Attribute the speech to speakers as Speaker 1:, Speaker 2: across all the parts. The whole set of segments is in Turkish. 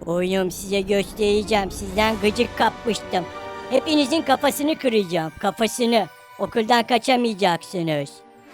Speaker 1: Oğlum size göstereceğim. Sizden gıcık kapmıştım. Hepinizin kafasını kıracağım. Kafasını. Okuldan kaçamayacaksınız.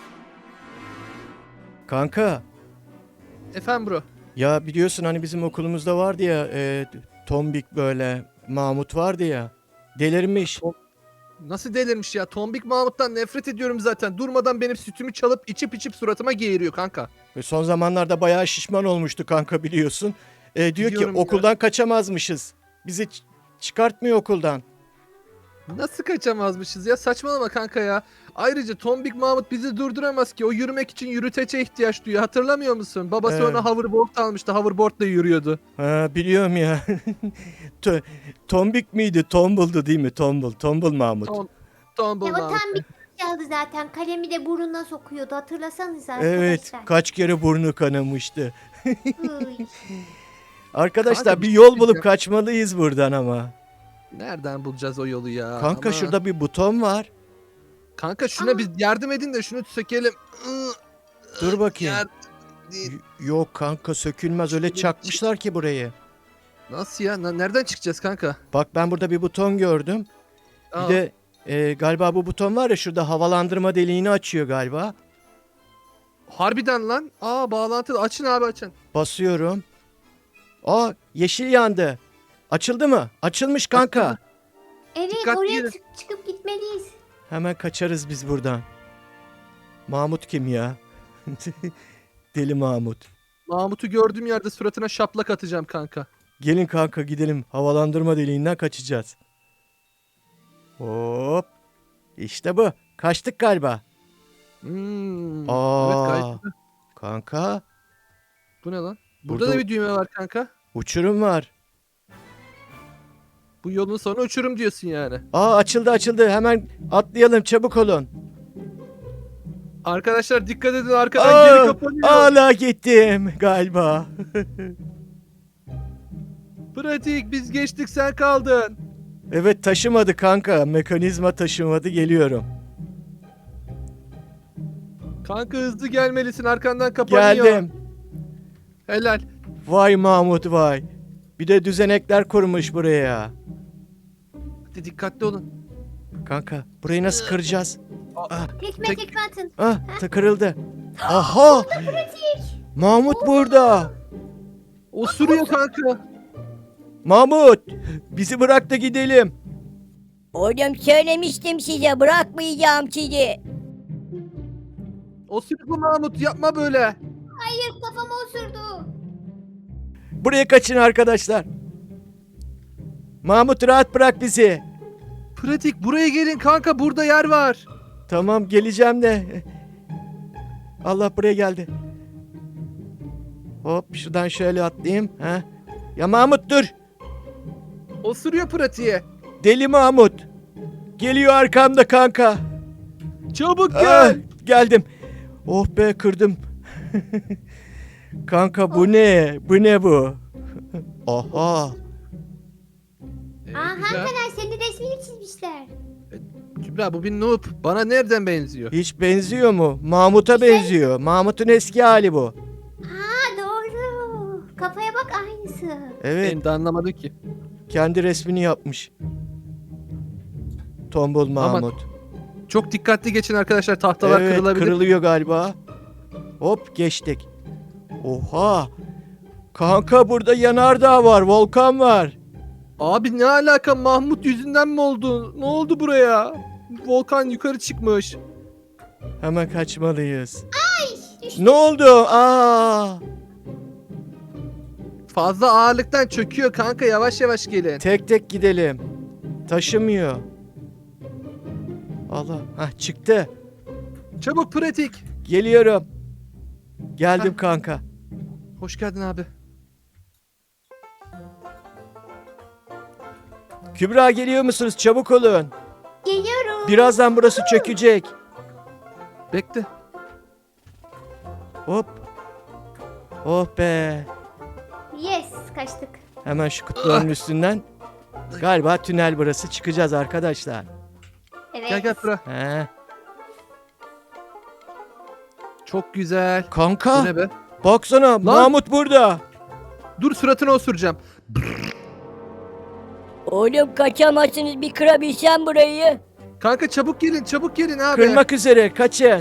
Speaker 2: Kanka,
Speaker 3: Efendim bro.
Speaker 2: ya biliyorsun hani bizim okulumuzda vardı ya tombik böyle Mahmut vardı ya. Delirmiş.
Speaker 3: Nasıl delirmiş ya? Tombik Mahmut'tan nefret ediyorum zaten. Durmadan benim sütümü çalıp içip suratıma geğiriyor kanka.
Speaker 2: Ve son zamanlarda bayağı şişman olmuştu kanka biliyorsun. Diyor ki
Speaker 3: Biliyorum ya.
Speaker 2: okuldan kaçamazmışız. Bizi çıkartmıyor okuldan.
Speaker 3: Nasıl kaçamazmışız ya? Saçmalama kanka ya. Ayrıca Tombik Mahmut bizi durduramaz ki. O yürümek için yürütece ihtiyaç duyuyor. Hatırlamıyor musun? Babası
Speaker 2: Evet.
Speaker 3: ona hoverboard almıştı. Hoverboardla yürüyordu.
Speaker 2: Ha, biliyorum ya. Tombik miydi? Tombul'du değil mi? Tombul Mahmut.
Speaker 3: Tombul
Speaker 4: Ya o
Speaker 3: Mahmut.
Speaker 4: tam bir çaldı zaten. Kalemi de burnuna sokuyordu. Hatırlasanıza
Speaker 2: Evet,
Speaker 4: arkadaşlar.
Speaker 2: kaç kere burnu kanamıştı.
Speaker 4: Hıy.
Speaker 2: Arkadaşlar
Speaker 3: Kanka,
Speaker 2: bir
Speaker 3: bir
Speaker 2: yol
Speaker 3: şey
Speaker 2: bulup
Speaker 3: diyeceğim.
Speaker 2: kaçmalıyız buradan ama.
Speaker 3: Nereden bulacağız o yolu ya?
Speaker 2: Kanka
Speaker 3: Ama-
Speaker 2: şurada bir buton var.
Speaker 3: Kanka şuna biz yardım edin de şunu sökelim.
Speaker 2: Dur bakayım.
Speaker 3: Yardım değil.
Speaker 2: Yok kanka sökülmez öyle çakmışlar ki burayı.
Speaker 3: Nasıl ya? Nereden çıkacağız kanka?
Speaker 2: Bak ben burada bir buton gördüm. Bir
Speaker 3: Aa,
Speaker 2: de galiba bu buton var ya şurada havalandırma deliğini açıyor galiba.
Speaker 3: harbiden lan. Aa, bağlantılı. Açın abi, açın.
Speaker 2: Basıyorum. Aa yeşil yandı. Açıldı mı? Açılmış kanka.
Speaker 3: Açıldı.
Speaker 4: Evet,
Speaker 3: Dikkatli
Speaker 4: oraya
Speaker 3: yürü.
Speaker 4: çıkıp gitmeliyiz.
Speaker 2: Hemen kaçarız biz buradan. Mahmut kim ya? Deli Mahmut.
Speaker 3: Mahmut'u gördüğüm yerde suratına şaplak atacağım kanka.
Speaker 2: Gelin kanka gidelim. Havalandırma deliğinden kaçacağız. Hop. İşte bu. Kaçtık galiba.
Speaker 3: Hmm.
Speaker 2: Aa.
Speaker 3: Evet, gayet güzel.
Speaker 2: Kanka
Speaker 3: Bu ne lan? Burada
Speaker 2: Burada-
Speaker 3: da bir düğme var kanka.
Speaker 2: uçurum var.
Speaker 3: Bu yolun sonu uçurum diyorsun yani.
Speaker 2: Aa açıldı. Hemen atlayalım çabuk olun.
Speaker 3: Arkadaşlar dikkat edin, arkadan geri
Speaker 2: Aa,
Speaker 3: kapanıyor.
Speaker 2: hala gittim galiba.
Speaker 3: Pratik, biz geçtik, sen kaldın.
Speaker 2: Evet taşımadı kanka. Mekanizma taşımadı geliyorum.
Speaker 3: Kanka hızlı gelmelisin, arkandan kapanıyor.
Speaker 2: Geldim.
Speaker 3: Helal.
Speaker 2: Vay Mahmut vay. Bir de düzenekler kurmuş buraya.
Speaker 3: Hadi dikkatli olun.
Speaker 2: Kanka burayı nasıl kıracağız?
Speaker 4: Tekme
Speaker 3: Tek-
Speaker 4: tekme atın.
Speaker 2: Ah kırıldı. Aha! Mahmut burada.
Speaker 3: Osuruyor kanka.
Speaker 2: Mahmut bizi bırak da gidelim.
Speaker 1: Oğlum söylemiştim size bırakmayacağım sizi.
Speaker 3: Osuruyor Mahmut, yapma böyle.
Speaker 4: Hayır, kafama osurdu.
Speaker 2: Buraya kaçın arkadaşlar. Mahmut rahat bırak bizi.
Speaker 3: Pratik, buraya gelin kanka, burada yer var.
Speaker 2: Tamam geleceğim de. Allah buraya geldi. Hop şuradan şöyle atlayayım. Ha? Ya Mahmut dur.
Speaker 3: Osuruyor pratiğe.
Speaker 2: Deli Mahmut. Geliyor arkamda kanka.
Speaker 3: Çabuk
Speaker 2: Ah,
Speaker 3: gel.
Speaker 2: geldim. Oh be kırdım. Kanka bu ne? Bu ne bu? Aha.
Speaker 4: Aa,
Speaker 3: Güzel.
Speaker 4: Hankaner senin resmini çizmişler.
Speaker 3: Kübra, bu bir noob. Bana nereden benziyor?
Speaker 2: Hiç benziyor mu? Mahmut'a benziyor. Mahmut'un eski hali bu.
Speaker 4: Ha, doğru. Kafaya bak, aynısı.
Speaker 2: Evet.
Speaker 3: Ben de anlamadım ki.
Speaker 2: Kendi resmini yapmış. Tombul Mahmut.
Speaker 3: Çok dikkatli geçin arkadaşlar, tahtalar
Speaker 2: Evet
Speaker 3: kırılabilir.
Speaker 2: kırılıyor galiba. Hop geçtik. Oha. Kanka burada yanardağ var. Volkan var.
Speaker 3: Abi ne alaka, Mahmut yüzünden mi oldu? Ne oldu buraya? Volkan yukarı çıkmış.
Speaker 2: Hemen kaçmalıyız.
Speaker 4: Düştü.
Speaker 2: Ne oldu? Aa!
Speaker 3: Fazla ağırlıktan çöküyor kanka, yavaş yavaş gelin.
Speaker 2: Tek tek gidelim. Taşımıyor. Allah. Hah çıktı.
Speaker 3: Çabuk pratik.
Speaker 2: Geliyorum. Geldim
Speaker 3: Hah.
Speaker 2: kanka.
Speaker 3: Hoş geldin abi.
Speaker 2: Kübra geliyor musunuz? Çabuk olun.
Speaker 4: Geliyorum.
Speaker 2: Birazdan burası çökecek.
Speaker 3: Bekle.
Speaker 2: Hop. Oh be.
Speaker 4: Yes, kaçtık.
Speaker 2: Hemen şu kutuların üstünden. Galiba tünel burası. Çıkacağız arkadaşlar.
Speaker 4: Evet.
Speaker 3: Gel Pra.
Speaker 2: He.
Speaker 3: Çok güzel. Bu
Speaker 2: Kanka
Speaker 3: ne be?
Speaker 2: baksana Mahmut burada.
Speaker 3: Dur suratına osuracağım.
Speaker 1: Oğlum kaçamazsınız, bir kırabilsem burayı.
Speaker 3: Kanka çabuk gelin abi.
Speaker 2: Kırmak üzere, kaçın.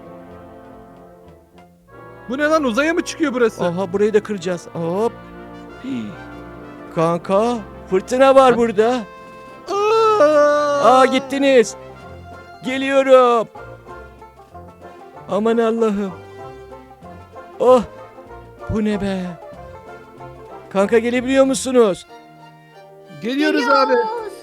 Speaker 3: Bu ne lan, uzaya mı çıkıyor burası?
Speaker 2: Aha, burayı da kıracağız. Hop. Hii. Kanka, fırtına var burada. Aa, gittiniz. Geliyorum. Aman Allah'ım. Oh. Bu ne be? Kanka, gelebiliyor musunuz?
Speaker 3: Geliyoruz abi.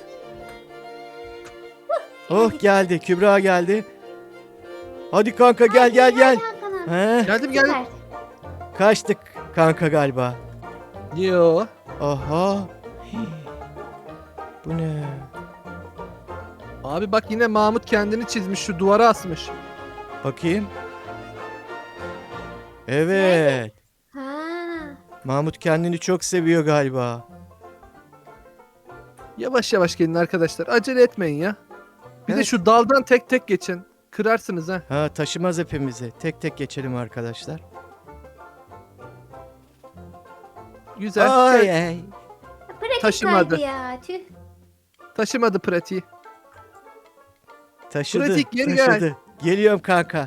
Speaker 2: Oh, geldi. Kübra geldi. Hadi kanka, gel. He,
Speaker 3: Geldim.
Speaker 4: Süper.
Speaker 2: kaçtık kanka galiba.
Speaker 3: Yo.
Speaker 2: Aha. Hii. Bu ne?
Speaker 3: Abi bak, yine Mahmut kendini çizmiş, şu duvara asmış.
Speaker 2: Bakayım. Evet.
Speaker 4: Ha.
Speaker 2: Mahmut kendini çok seviyor galiba.
Speaker 3: Yavaş yavaş gelin arkadaşlar. Acele etmeyin ya. Bir de
Speaker 2: Evet.
Speaker 3: şu daldan tek tek geçin. Kırarsınız ha.
Speaker 2: Ha, taşımaz hepimizi. Tek tek geçelim arkadaşlar.
Speaker 3: Güzel.
Speaker 2: Ay ay.
Speaker 4: Pratik
Speaker 3: Taşımadı.
Speaker 4: kaydı ya. Tüh.
Speaker 3: Taşımadı pratiği.
Speaker 2: Taşıdı.
Speaker 3: Pratik, geri
Speaker 2: taşıdı. Geliyorum kanka.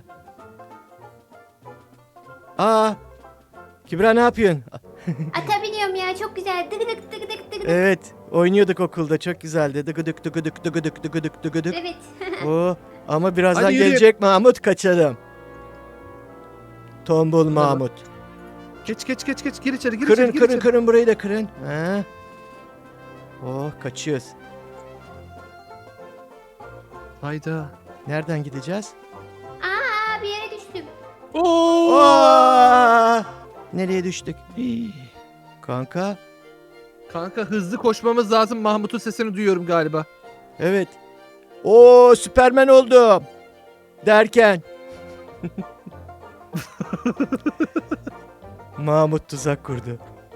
Speaker 2: Aa. Kübra, ne yapıyorsun?
Speaker 4: Ata biniyorum ya, çok güzel. Dıgıdık dıgıdık dıgıdık.
Speaker 2: Evet. Oynuyorduk okulda. Çok güzeldi. Dıgıdık dıgıdık dıgıdık dıgıdık dıgıdık.
Speaker 4: Evet.
Speaker 2: Oo. Ama birazdan
Speaker 3: Hadi yürü.
Speaker 2: gelecek Mahmut, kaçalım. Tombul Mahmut.
Speaker 3: Geç gir içeri, gir
Speaker 2: Kırın
Speaker 3: içeri.
Speaker 2: kırın burayı da kırın. Ha. Oh, kaçıyoruz.
Speaker 3: Hayda.
Speaker 2: Nereden gideceğiz?
Speaker 4: Aa, bir yere düştüm.
Speaker 3: Oo!
Speaker 2: Aa! Nereye düştük? Hii. Kanka.
Speaker 3: Kanka hızlı koşmamız lazım. Mahmut'un sesini duyuyorum galiba.
Speaker 2: Evet. Oo, Süpermen oldum. Derken. Mahmut tuzak kurdu.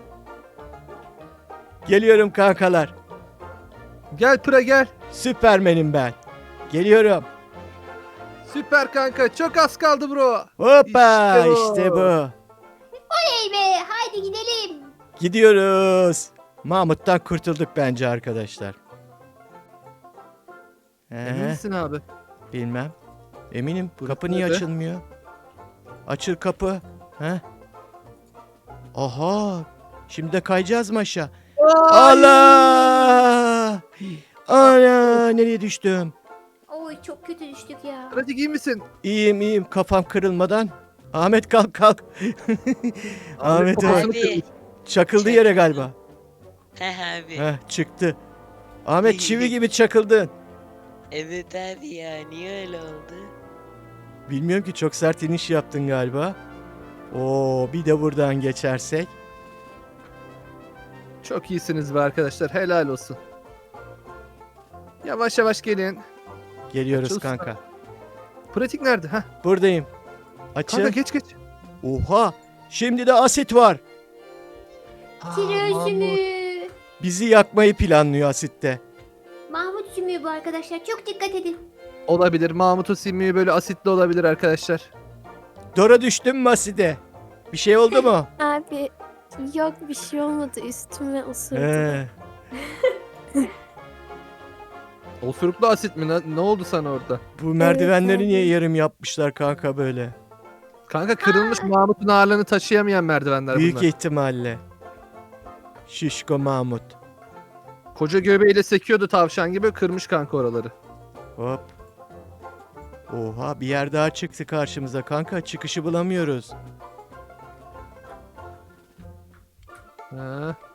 Speaker 2: Geliyorum kankalar.
Speaker 3: Gel Pıra gel.
Speaker 2: Süpermenim ben. Geliyorum.
Speaker 3: Süper kanka. Çok az kaldı bro.
Speaker 2: Hoppa,
Speaker 3: İşte bu.
Speaker 2: işte bu.
Speaker 4: Hey be, haydi gidelim.
Speaker 2: Gidiyoruz. Mahmut'tan kurtulduk bence arkadaşlar.
Speaker 3: Emin misin abi?
Speaker 2: Bilmem. Eminim.
Speaker 3: Burası
Speaker 2: Kapı niye
Speaker 3: nerede?
Speaker 2: açılmıyor? Açıl kapı. He? Aha. Şimdi de kayacağız mı aşağı? Allah! Ana, nereye düştüm?
Speaker 4: Oy, çok kötü düştük ya.
Speaker 3: Pratik iyi misin?
Speaker 2: İyiyim. Kafam kırılmadan. Ahmet, kalk. Ahmet
Speaker 3: kafasını
Speaker 2: abi.
Speaker 3: kırmış.
Speaker 2: Çakıldı yere galiba.
Speaker 5: He abi.
Speaker 2: Heh, çıktı. Ahmet, çivi gibi çakıldın.
Speaker 5: Evet abi ya, niye öyle oldu?
Speaker 2: Bilmiyorum ki, çok sert iniş yaptın galiba. Oo, bir de buradan geçersek.
Speaker 3: Çok iyisiniz be arkadaşlar. Helal olsun. Yavaş yavaş gelin.
Speaker 2: Geliyoruz
Speaker 3: Açıl
Speaker 2: kanka.
Speaker 3: Pratik nerede? Heh.
Speaker 2: Buradayım. Açıl.
Speaker 3: Kanka geç.
Speaker 2: Oha! Şimdi de asit var.
Speaker 4: Tire
Speaker 3: Mahmut.
Speaker 4: sümüğü.
Speaker 2: Bizi yakmayı planlıyor asitte.
Speaker 4: Mahmut sümüğü bu arkadaşlar. Çok dikkat edin.
Speaker 3: Olabilir. Mahmut'un simliği böyle asitli olabilir arkadaşlar.
Speaker 2: Dora, düştün mü aside? Bir şey oldu mu?
Speaker 6: Abi yok, bir şey olmadı, üstüme osurdu.
Speaker 2: He.
Speaker 3: Osuruklu asit mi? Ne oldu sana orada?
Speaker 2: Bu merdivenleri
Speaker 6: abi.
Speaker 2: niye yarım yapmışlar kanka böyle?
Speaker 3: Kanka kırılmış Mahmut'un ağırlığını taşıyamayan merdivenler
Speaker 2: Büyük
Speaker 3: bunlar.
Speaker 2: ihtimalle. Şişko Mahmut.
Speaker 3: Koca göbeğiyle sekiyordu tavşan gibi, kırmış kanka oraları.
Speaker 2: Hop. Oha, bir yer daha çıktı karşımıza kanka. Çıkışı bulamıyoruz.
Speaker 3: Ha.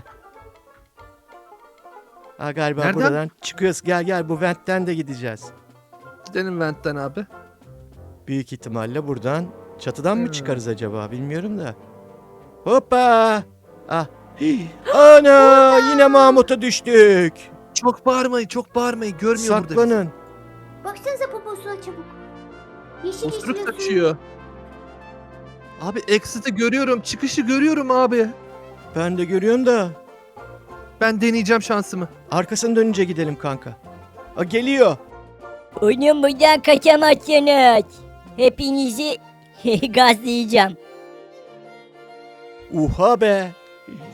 Speaker 2: Ha, galiba
Speaker 3: Nereden?
Speaker 2: buradan çıkıyoruz. Gel, bu ventten de gideceğiz.
Speaker 3: Gidelim ventten abi.
Speaker 2: Büyük ihtimalle buradan. Çatıdan mı
Speaker 3: Hmm.
Speaker 2: çıkarız acaba, bilmiyorum da. Hoppa. Ah. Hii. Ana, yine Mahmut'a düştük.
Speaker 3: Çok bağırmayın görmüyor burada.
Speaker 2: Saklanın.
Speaker 4: Baksanıza poposuna çabuk. Yeşil
Speaker 3: Osuruk
Speaker 4: yeşil
Speaker 3: saçıyor. Abi exit'i görüyorum, çıkışı görüyorum abi.
Speaker 2: Ben de görüyorum da.
Speaker 3: Ben deneyeceğim şansımı.
Speaker 2: Arkasını dönünce gidelim kanka. Aa, geliyor.
Speaker 1: Oğlum buradan kaçamazsınız. Hepinizi gazlayacağım.
Speaker 2: Uha be.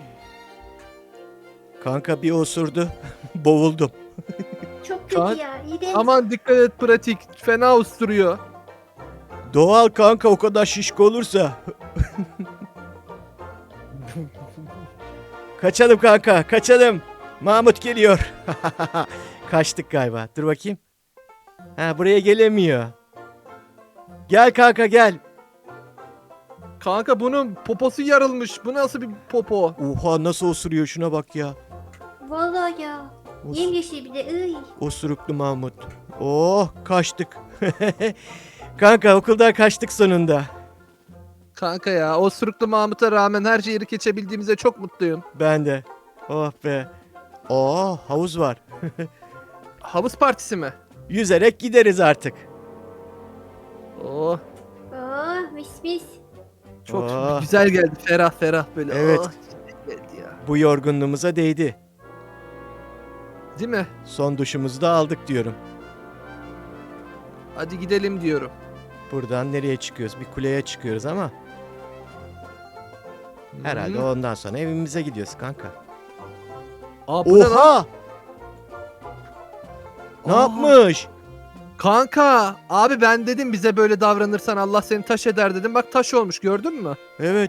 Speaker 2: Kanka bir osurdu. Boğuldum.
Speaker 4: Çok kötü
Speaker 3: Kaan,
Speaker 4: ya. İğrenç.
Speaker 3: Aman dikkat et pratik. Fena usturuyor.
Speaker 2: Doğal kanka o kadar şişko olursa. Kaçalım kanka kaçalım. Mahmut geliyor. Kaçtık galiba. Dur bakayım. Ha buraya gelemiyor. Gel kanka gel.
Speaker 3: Kanka bunun poposu yarılmış. Bu nasıl bir popo?
Speaker 2: Oha nasıl osuruyor şuna bak ya.
Speaker 4: Vallahi ya.
Speaker 2: Os-
Speaker 4: Yemyeşil bir de. Iy.
Speaker 2: Osuruklu Mahmut. Oh kaçtık. Kanka okuldan kaçtık sonunda.
Speaker 3: Kanka ya o sürüklü Mahmut'a rağmen her şeyi geçebildiğimize çok mutluyum.
Speaker 2: Ben de. Oh be. Oh havuz var.
Speaker 3: Havuz partisi mi?
Speaker 2: Yüzerek gideriz artık.
Speaker 3: Oh
Speaker 4: Oh mis mis.
Speaker 3: çok
Speaker 2: Oh.
Speaker 3: güzel geldi. Ferah ferah böyle.
Speaker 2: Evet.
Speaker 3: Oh, geldi ya.
Speaker 2: Bu yorgunluğumuza değdi.
Speaker 3: Değil mi?
Speaker 2: Son duşumuzu da aldık diyorum.
Speaker 3: Hadi gidelim diyorum.
Speaker 2: Buradan nereye çıkıyoruz? Bir kuleye çıkıyoruz ama herhalde
Speaker 3: Hı.
Speaker 2: ondan sonra evimize gidiyoruz kanka.
Speaker 3: Aa, bu ne lan?
Speaker 2: Oha! Ne
Speaker 3: Aa.
Speaker 2: yapmış?
Speaker 3: Kanka abi ben dedim bize böyle davranırsan Allah seni taş eder dedim. Bak taş olmuş gördün mü?
Speaker 2: Evet.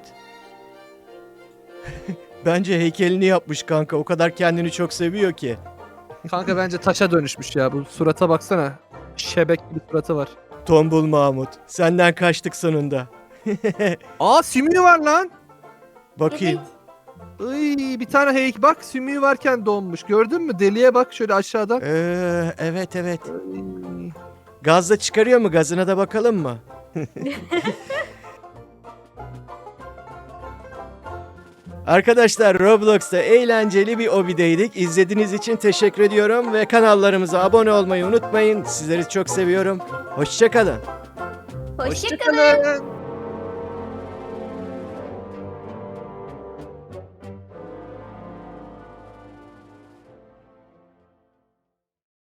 Speaker 2: Bence heykelini yapmış kanka. O kadar kendini çok seviyor ki.
Speaker 3: Kanka bence taşa dönüşmüş ya. Bu surata baksana. Şebek gibi suratı var.
Speaker 2: Tombul Mahmut. Senden kaçtık sonunda.
Speaker 3: Aa sümüğü var lan.
Speaker 2: Bakayım.
Speaker 4: Evet.
Speaker 3: Iy, bir tane bak sümüğü varken donmuş. Gördün mü? Deliye bak şöyle aşağıdan.
Speaker 2: Evet evet.
Speaker 3: Iy.
Speaker 2: Gazla çıkarıyor mu? Gazına da bakalım mı? Arkadaşlar Roblox'ta eğlenceli bir obideydik. İzlediğiniz için teşekkür ediyorum ve kanallarımıza abone olmayı unutmayın. Sizleri çok seviyorum. Hoşça kalın.
Speaker 4: Hoşçakalın.
Speaker 3: Hoşçakalın.